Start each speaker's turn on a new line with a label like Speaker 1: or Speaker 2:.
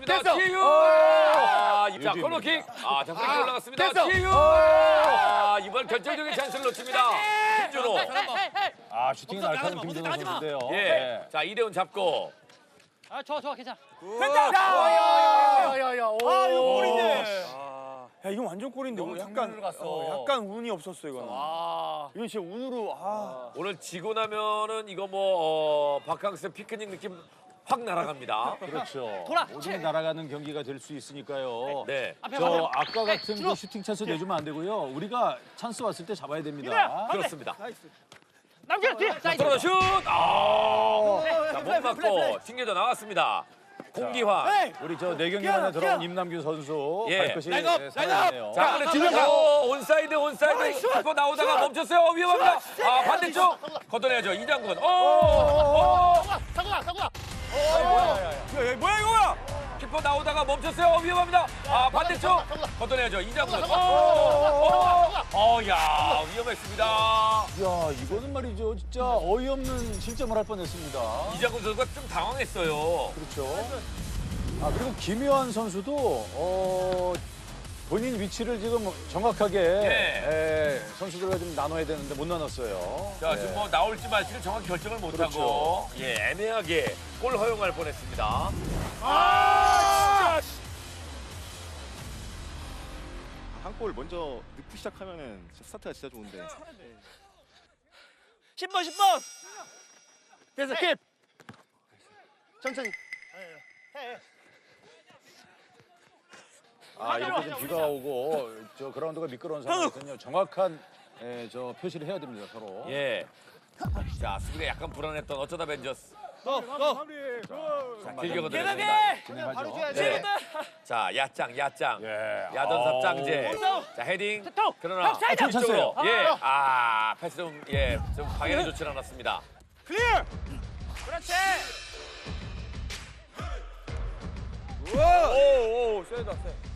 Speaker 1: 올라갔습니다.
Speaker 2: 됐어.
Speaker 1: 지유. 자, 코너킥. 자, 프리킥 올라갔습니다.
Speaker 2: 됐어.
Speaker 1: 지유. 이번 결정적인 찬스를 놓칩니다. 김준호.
Speaker 3: 슈팅이 날카로운 김준호 선수인데요.
Speaker 1: 예.
Speaker 3: 네.
Speaker 1: 자, 이대훈 잡고.
Speaker 4: 좋아, 괜찮아.
Speaker 2: 야야야야야.
Speaker 5: 이거 골인데.
Speaker 2: 야 이건 완전 골인데
Speaker 5: 너무
Speaker 2: 오늘
Speaker 5: 장난으로 갔어.
Speaker 2: 약간 운이 없었어 이거는. 이건 진짜 운으로
Speaker 1: 오늘 지고 나면은 이거 바캉스 피크닉 느낌 확 날아갑니다.
Speaker 3: 그렇죠.
Speaker 4: 돌아.
Speaker 3: 모든 게 날아가는 경기가 될 수 있으니까요.
Speaker 1: 네.
Speaker 3: 저 아까 같은 그 슈팅 찬스 내주면 안 되고요. 우리가 찬스 왔을 때 잡아야 됩니다.
Speaker 1: 그렇습니다.
Speaker 4: 남겨 뒤에.
Speaker 1: 들어가 슛! 자, 못 맞고 튕겨져 나왔습니다. 공기환.
Speaker 3: 우리 저 4경기 만에 들어온 임남규 선수
Speaker 1: 예.
Speaker 3: 발끝이
Speaker 2: 라인업,
Speaker 3: 살아있네요.
Speaker 1: 자, 근데 뒤로 온사이드. 키퍼 나오다가 멈췄어요. 위험합니다. 반대쪽. 걷어내야죠. 이장군.
Speaker 4: 사고나.
Speaker 2: 야 뭐야 이거야?
Speaker 1: 키퍼 나오다가 멈췄어요. 위험합니다. 반대쪽. 걷어내야죠. 이장군. 야, 위험했습니다.
Speaker 3: 이야, 이거는 말이죠. 진짜 어이없는 실점을 할 뻔했습니다.
Speaker 1: 이장군 선수가 좀 당황했어요.
Speaker 3: 그렇죠. 그리고 김효한 선수도 본인 위치를 지금 정확하게 선수들과 좀 나눠야 되는데 못 나눴어요.
Speaker 1: 자, 지금 나올지 말지를 정확히 결정을 못하고 애매하게 골 허용할 뻔했습니다.
Speaker 5: 한 골 먼저 넣고 시작하면은 스타트가 진짜 좋은데.
Speaker 4: 10번. 됐어, 킵. 천천히.
Speaker 3: 이렇게 좀 비가 오고 저 그라운드가 미끄러운 상황에서는요. 정확한 저 표시를 해야 됩니다, 서로.
Speaker 1: 예. 자, 수비가 약간 불안했던 어쩌다 벤져스. 자, 길게 걷어냈습니다.
Speaker 3: 진행하죠.
Speaker 1: 네. 자, 야짱. 야전삽 짱제. 자, 헤딩. 그러나
Speaker 3: 괜찮았어요.
Speaker 1: 패스 좀 방향이 좋지 않았습니다.
Speaker 2: 클리어.
Speaker 4: 그렇지.
Speaker 2: 오 세다 세.